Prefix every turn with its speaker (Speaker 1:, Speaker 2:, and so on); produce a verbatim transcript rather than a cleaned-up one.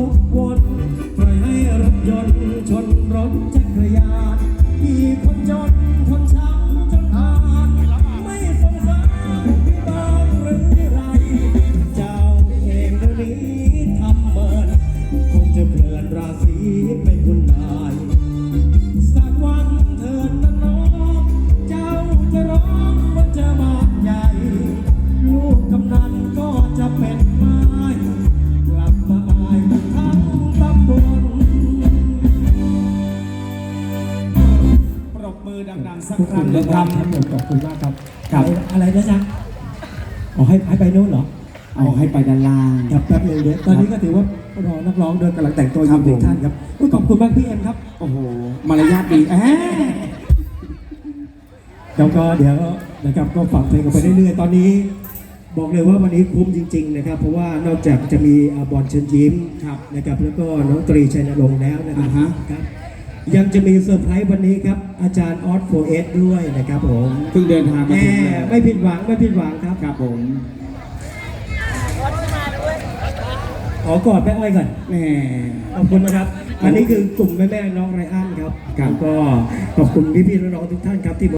Speaker 1: กวนปล่อยให้รถยนต์ชนรถจักรยานมีคนจนทนช้ำจนขาดไม่สงสารพี่บ้างหรือไรเจ้าเองเดี๋ยวนี้ทำเหมือนคงจะเปลี่ยนราศีเป็นคุณนายสักวันเถิดนะน้องเจ้าจะร้องว่าจะบาดใหญ่ลูกกำนันก็จะเป็นไม้กลับมาอายกันทั้งตำบล
Speaker 2: ปรบมือดังๆสักครั้งหนึ่งครับ
Speaker 1: ขอบคุณมากครับ
Speaker 2: ครับ
Speaker 1: อะไรนะจ๊ะอ๋อให้ให้ไปโน่นเหรอ
Speaker 2: เอาให้ไปด้านล่าง
Speaker 1: ครับแป๊บนึงเดี๋ยวตอนนี้ก็ถือว่ารอนักร้องเดินกำลังแต่งตัวอยู่หนึ่งท่านครับอุ๊ยขอบคุณมากพี่เอ็มครับ
Speaker 2: โอ้โหมารยาทดีแอะ
Speaker 1: แล้วก็เดี๋ยวนะครับก็ฟังเพลงกันไปเรื่อยๆตอนนี้ บอกเลยว่าวันนี้คุ้มจริงๆนะครับเพราะว่านอกจากจะมีอาบอลเชิญยิ้ม
Speaker 2: ครับ
Speaker 1: นะครับแล้วก็น้องตรีชัยนรงค์แล้วนะครั
Speaker 2: อ่าฮะ
Speaker 1: ครับยังจะมีเซอร์ไพรส์วันนี้ครับอาจารย์ออสโฟเอสด้วยนะครับผม
Speaker 2: เพิ่งเดินทาง
Speaker 1: แห
Speaker 2: มาถึงเลย
Speaker 1: มไม่ผิดหวังไม่ผิดหวังครับ
Speaker 2: ครับผม
Speaker 1: ขอกอดแม่อ้อยก่อน
Speaker 2: แหม
Speaker 1: ขอบคุณนะครับ อันนี้คือกลุ่มแม่ๆน้องไรอันครับ
Speaker 2: ครับ
Speaker 1: แล้วก็ขอบคุณพี่ๆน้องๆทุกท่านครับที่